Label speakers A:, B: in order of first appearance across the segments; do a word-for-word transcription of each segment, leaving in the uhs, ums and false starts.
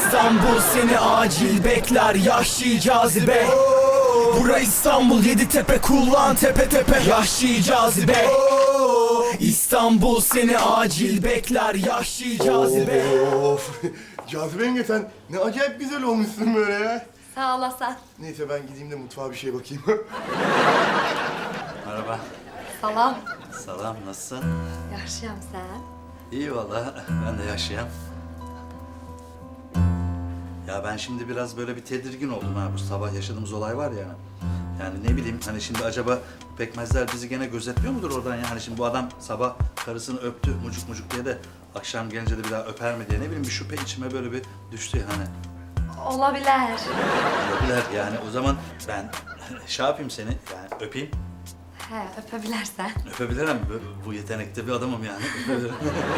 A: İstanbul seni acil bekler, yahşi cazibe. Bura İstanbul, Yeditepe, kullan tepe tepe, yahşi cazibe. İstanbul seni acil bekler, yahşi cazibe.
B: Of! Cazibe yenge sen ne acayip güzel olmuşsun böyle ya.
C: Sağ olasın.
B: Neyse ben gideyim de mutfağa bir şey bakayım.
D: Merhaba.
C: Salam.
D: Selam, nasılsın?
C: Yaşayam sen.
D: İyi vallahi, ben de yaşayayım. Ya ben şimdi biraz böyle bir tedirgin oldum ha, bu sabah yaşadığımız olay var ya. Yani ne bileyim, hani şimdi acaba pekmezler bizi gene gözetmiyor mudur oradan ya? Hani şimdi bu adam sabah karısını öptü mucuk mucuk diye de akşam gelince de bir daha öper mi diye ne bileyim bir şüphe içime böyle bir düştü yani.
C: Olabilir.
D: Olabilir yani, o zaman ben şey yapayım seni, yani öpeyim.
C: He, öpebilirsen.
D: Öpebilirim, bu, bu yetenekte bir adamım yani. Öpebilirim.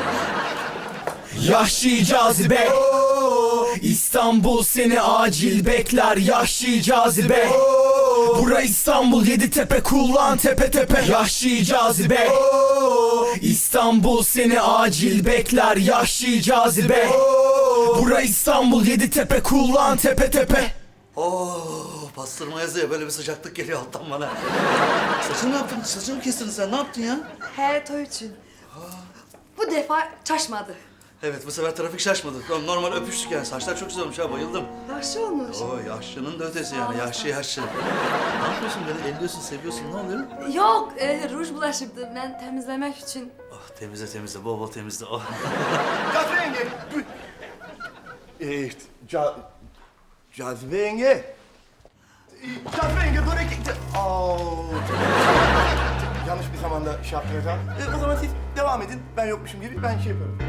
A: Yahşi cazibe. İstanbul seni acil bekler, yahşi cazibe. Bura İstanbul, Yeditepe, kullan tepe tepe, yahşi cazibe. İstanbul seni acil bekler, yahşi cazibe. Bura İstanbul, Yeditepe, kullan tepe tepe.
D: Oo, pastırma yazıyor, böyle bir sıcaklık geliyor alttan bana. Saçını ne yaptın? Saçını mı kestin sen? Ne yaptın ya?
C: He, toy için. Bu defa çaşmadı.
D: Evet, bu sefer trafik şaşmadı. Normal öpüştük yani. Saçlar çok güzel olmuş ha, bayıldım.
C: Yaşlı olmuş.
D: Oo, yaşlının da ötesi yani. Yaşlı yaşlı. Ne yapıyorsun? Beni elliyorsun, seviyorsun. Ne oluyor?
C: Yok, e, ruj bulaşıktı. Ben temizlemek için.
D: Oh, temizle temizle, bol bol temizle. Oh.
B: Cazibe yenge! bu- Ee, ca... Cazibe yenge! Ee, Cazibe yenge dur ek... Aa, yanlış bir zamanda şey yaptınız ha. Ee, o zaman siz devam edin. Ben yokmuşum gibi ben şey yaparım.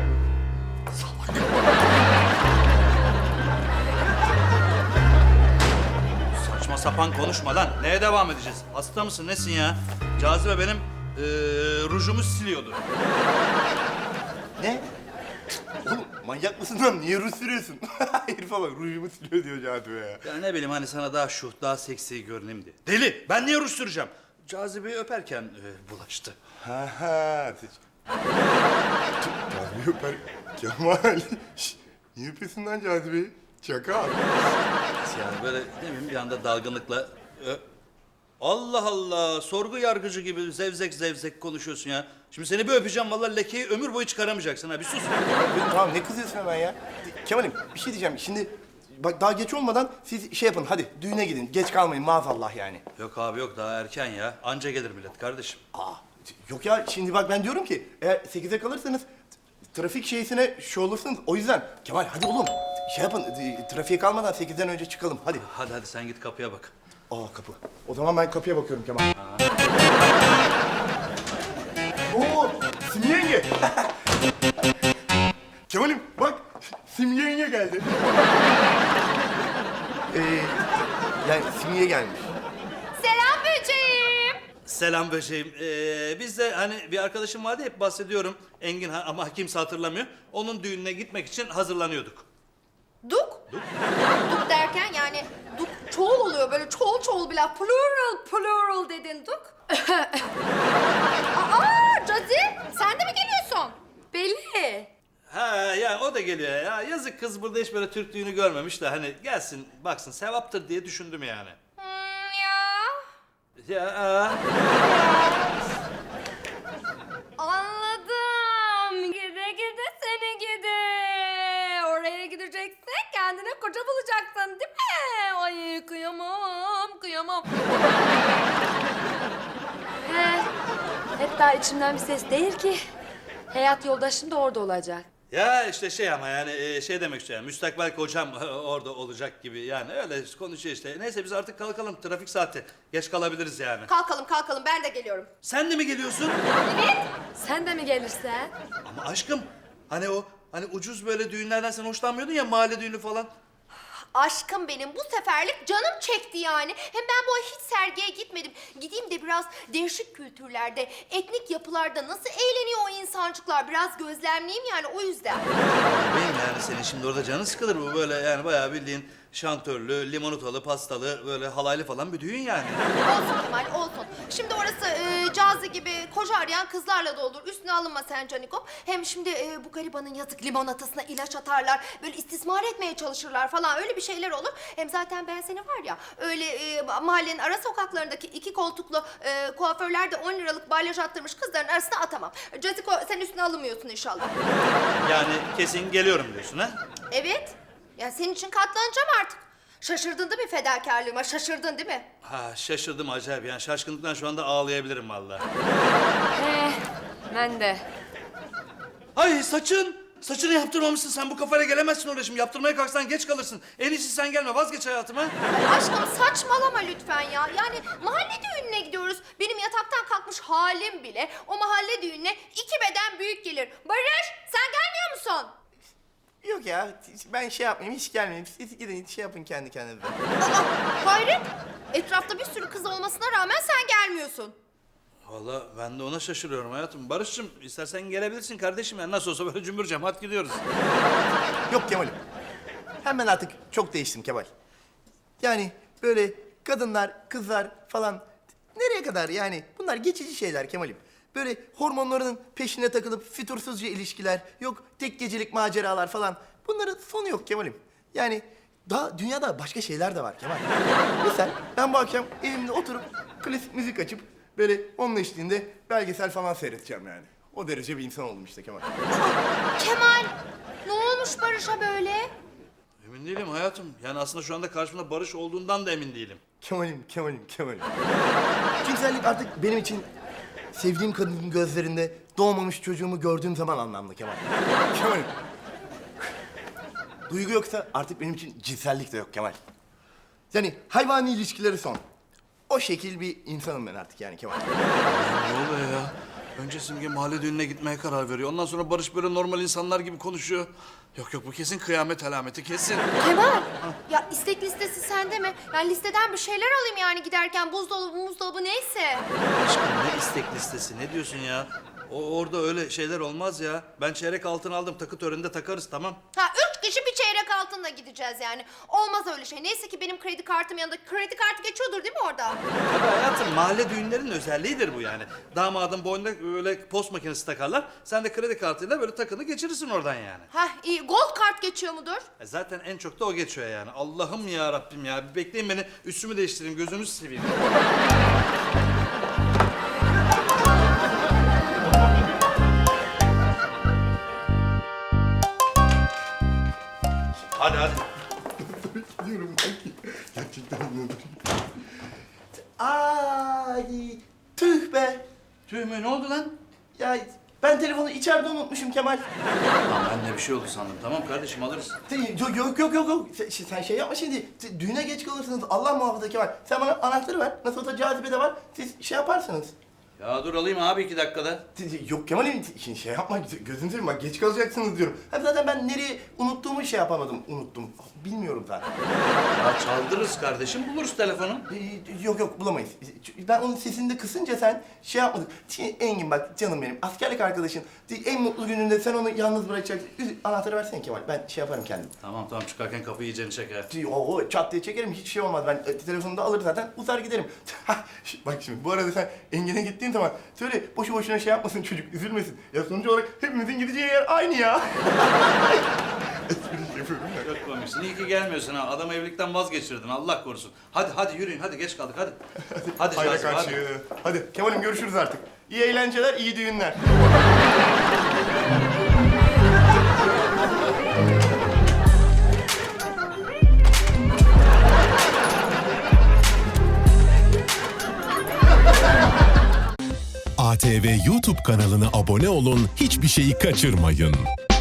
D: Saçma sapan konuşma lan. Neye devam edeceğiz? Hasta mısın, nesin ya? Cazibe benim eee rujumu siliyordu.
B: Ne? Oğlum manyak mısın lan? Niye ruj sürüyorsun? Herife bak rujumu siliyor diyor Cazibe ya.
D: Ya ne bileyim, hani sana daha şuh, daha seksi görüneyim diye. Deli! Ben niye ruj süreceğim? Cazibeyi öperken eee, bulaştı.
B: Ha ha. Siz... Cazibe öper. Kemal. Şş, niye öpüyorsun lan Cazibe'yi? Çakal.
D: Yani böyle ne bileyim bir anda dalgınlıkla... Ö- Allah Allah! Sorgu yargıcı gibi zevzek zevzek konuşuyorsun ya. Şimdi seni bir öpeceğim, vallahi lekeyi ömür boyu çıkaramayacaksın ha. Bir sus.
B: Tamam ne kızıyorsun hemen ya? Kemal'im bir şey diyeceğim. Şimdi bak daha geç olmadan siz şey yapın hadi düğüne gidin. Geç kalmayın maazallah yani.
D: Yok abi yok, daha erken ya. Anca gelir millet kardeşim.
B: Aa, yok ya şimdi bak ben diyorum ki eğer sekize kalırsanız trafik şeysine şu olursunuz. O yüzden Kemal hadi oğlum şey yapın trafiğe kalmadan sekizden önce çıkalım hadi.
D: Hadi hadi sen git kapıya bak.
B: Aa kapı. O zaman ben kapıya bakıyorum Kemal. Oo Simge yenge. Kemal'im bak Simge yenge geldi. ee, yani Simge gelmiş.
C: Selam böceğim.
D: Selam böceğim. Ee, biz de hani bir arkadaşım vardı, hep bahsediyorum. Engin ha- ama kimse hatırlamıyor. Onun düğününe gitmek için hazırlanıyorduk.
E: Duk? Duk? Duk derken yani duk çoğul oluyor böyle çoğul çoğul bile plural plural dedin duk. Aa Cazi sen de mi geliyorsun?
C: Belli.
D: Ha ya, o da geliyor ya. Yazık kız, burada hiç böyle Türk düğünü görmemiş de hani gelsin baksın, sevaptır diye düşündüm yani.
E: Hmm, ya.
D: Ya aa.
C: Anladım. Gide gide seni gide. Oraya gideceksin, kendine koca bulacaksın değil mi? Ay kıyamam, kıyamam. He, hatta içimden bir ses değil ki. Hayat yoldaşım da orada olacak.
D: Ya işte şey ama yani e, şey demek istiyorum. Müstakbel kocam orada olacak gibi yani, öyle konuşuyor işte. Neyse biz artık kalkalım, trafik saati. Geç kalabiliriz yani.
E: Kalkalım kalkalım ben de geliyorum.
D: Sen de mi geliyorsun?
C: Sen de mi gelirsen?
D: Ama aşkım hani o hani ucuz böyle düğünlerden sen hoşlanmıyordun ya, mahalle düğünü falan.
E: Aşkım benim bu seferlik canım çekti yani. Hem ben bu ay hiç sergiye gitmedim. Gideyim de biraz değişik kültürlerde, etnik yapılarda nasıl eğleniyor o insancıklar biraz gözlemleyeyim yani o yüzden.
D: Benim yani senin şimdi orada canın sıkılır, bu böyle yani bayağı bildiğin şantörlü, limonatalı, pastalı, böyle halaylı falan bir düğün yani.
E: Olsun Kemal, olsun. Şimdi orası e, Cazi gibi koca arayan kızlarla da olur. Üstüne alınma sen Canikom. Hem şimdi e, bu garibanın yazık limonatasına ilaç atarlar. Böyle istismar etmeye çalışırlar falan. Öyle bir şeyler olur. Hem zaten ben seni var ya öyle e, mahallenin ara sokaklarındaki iki koltuklu e, kuaförlerde on liralık balyaj attırmış kızların arasına atamam. Caziko sen üstüne alınmıyorsun inşallah.
D: Yani kesin geliyorum diyorsun ha?
E: Evet. Ya senin için katlanacağım artık. Şaşırdın değil mi fedakarlığıma? Şaşırdın değil mi?
D: Ha şaşırdım acayip yani şaşkınlıktan şu anda ağlayabilirim vallahi.
C: Eh, ben de.
D: Ay saçın! Saçını yaptırmamışsın sen bu kafayla gelemezsin oraya şimdi. Yaptırmaya kalksan geç kalırsın. En iyisi sen gelme vazgeç hayatıma.
E: Ay aşkım saçmalama lütfen ya. Yani mahalle düğününe gidiyoruz. Benim yataktan kalkmış halim bile o mahalle düğününe iki beden büyük gelir. Barış sen gelmiyor musun?
B: Yok ya ben şey yapmayayım hiç gelmeyeyim. Siz gidin şey yapın kendi kendinize.
E: Aa, hayret. Etrafta bir sürü kız olmasına rağmen sen gelmiyorsun.
D: Vallahi ben de ona şaşırıyorum hayatım. Barış'cığım istersen gelebilirsin kardeşim. Yani nasıl olsa böyle cümbür cemaat gidiyoruz.
B: Yok Kemal'im. Hem ben artık çok değiştim Kemal. Yani böyle kadınlar, kızlar falan nereye kadar yani? Bunlar geçici şeyler Kemal'im. Böyle hormonlarının peşine takılıp fütursuzca ilişkiler, yok tek gecelik maceralar falan. Bunların sonu yok Kemal'im. Yani daha dünyada başka şeyler de var Kemal. Mesela ben bu akşam evimde oturup klasik müzik açıp böyle onun eşliğinde belgesel falan seyredeceğim yani. O derece bir insan oldum işte Kemal.
E: Kemal ne olmuş Barış'a böyle?
D: Emin değilim hayatım. Yani aslında şu anda karşımda Barış olduğundan da emin değilim.
B: Kemal'im, Kemal'im, Kemal'im. Cinsellik artık benim için sevdiğim kadının gözlerinde doğmamış çocuğumu gördüğüm zaman anlamlı Kemal. Kemal'im. Duygu yoksa artık benim için cinsellik de yok Kemal. Yani hayvani ilişkileri son. O şekil bir insanım ben artık yani Kemal.
D: Ne oluyor ya? Önce Simge mahalle düğününe gitmeye karar veriyor. Ondan sonra Barış böyle normal insanlar gibi konuşuyor. Yok yok bu kesin kıyamet alameti kesin.
E: Kemal ya istek listesi sende mi? Ben listeden bir şeyler alayım yani giderken buzdolabı buzdolabı neyse.
D: Aşkım ne istek listesi ne diyorsun ya? O orada öyle şeyler olmaz ya. Ben çeyrek altın aldım takı töreninde takarız tamam.
E: Ha üç kişi bir çeyrek altınla gideceğiz yani. Olmaz öyle şey. Neyse ki benim kredi kartım yanında. Kredi kartı geçiyordur değil mi orada?
D: Tabii hayatım mahalle düğünlerinin özelliğidir bu yani. Damadın boynuna böyle post makinesi takarlar. Sen de kredi kartıyla böyle takını geçirirsin oradan yani.
E: Ha iyi. Gold kart geçiyor mudur?
D: E zaten en çok da o geçiyor yani. Allah'ım ya Rabbim ya. Bir bekleyin beni üstümü değiştireyim gözünüzü seveyim. Hadi hadi.
B: Diyorum ben. Gerçekten anladım. Ay tüh be.
D: Tüh mü ne oldu lan?
B: Ya ben telefonu içeride unutmuşum Kemal.
D: Tamam ben de bir şey oldu sandım. Tamam kardeşim alırız.
B: Yok yok yok yok yok. Sen, sen şey yapma şimdi. Düğüne geç kalırsınız. Allah muhafaza Kemal. Sen bana anahtarı ver. Nasıl olsa cazibe de var. Siz şey yaparsınız.
D: Ya dur alayım abi iki dakikada.
B: Yok Kemal'im şimdi şey yapma. Gözünü seveyim bak geç kalacaksınız diyorum. Hem zaten ben nereye unuttuğumu şey yapamadım. Unuttum. Bilmiyorum zaten.
D: Ya çaldırırız kardeşim buluruz telefonu.
B: Ee, Yok yok bulamayız. Ben onun sesini de kısınca sen şey yapmadık. Şimdi Engin bak canım benim askerlik arkadaşın. En mutlu gününde sen onu yalnız bırakacaksın. Üz- Anahtarı versene Kemal. Ben şey yaparım kendim.
D: Tamam tamam çıkarken kapıyı iyicene çeker.
B: O, o çat diye çekerim hiç şey olmaz. Ben e, telefonunu da alır zaten uzar giderim. Bak şimdi bu arada sen Engin'e gittiğin zaman söyle boşu boşuna şey yapmasın çocuk üzülmesin. Ya sonuç olarak hepimizin gideceği yer aynı ya. Espri yapıyorum ya.
D: Çok komiksin. İyi ki gelmiyorsun ha. Adamı evlilikten vazgeçirdin. Allah korusun. Hadi hadi yürüyün. Hadi geç kaldık. Hadi. Hadi
B: Hayra
D: Şahsım, hadi.
B: karşı. Hadi Kemal'im görüşürüz artık. İyi eğlenceler, iyi düğünler.
F: A T V YouTube kanalına abone olun, hiçbir şeyi kaçırmayın.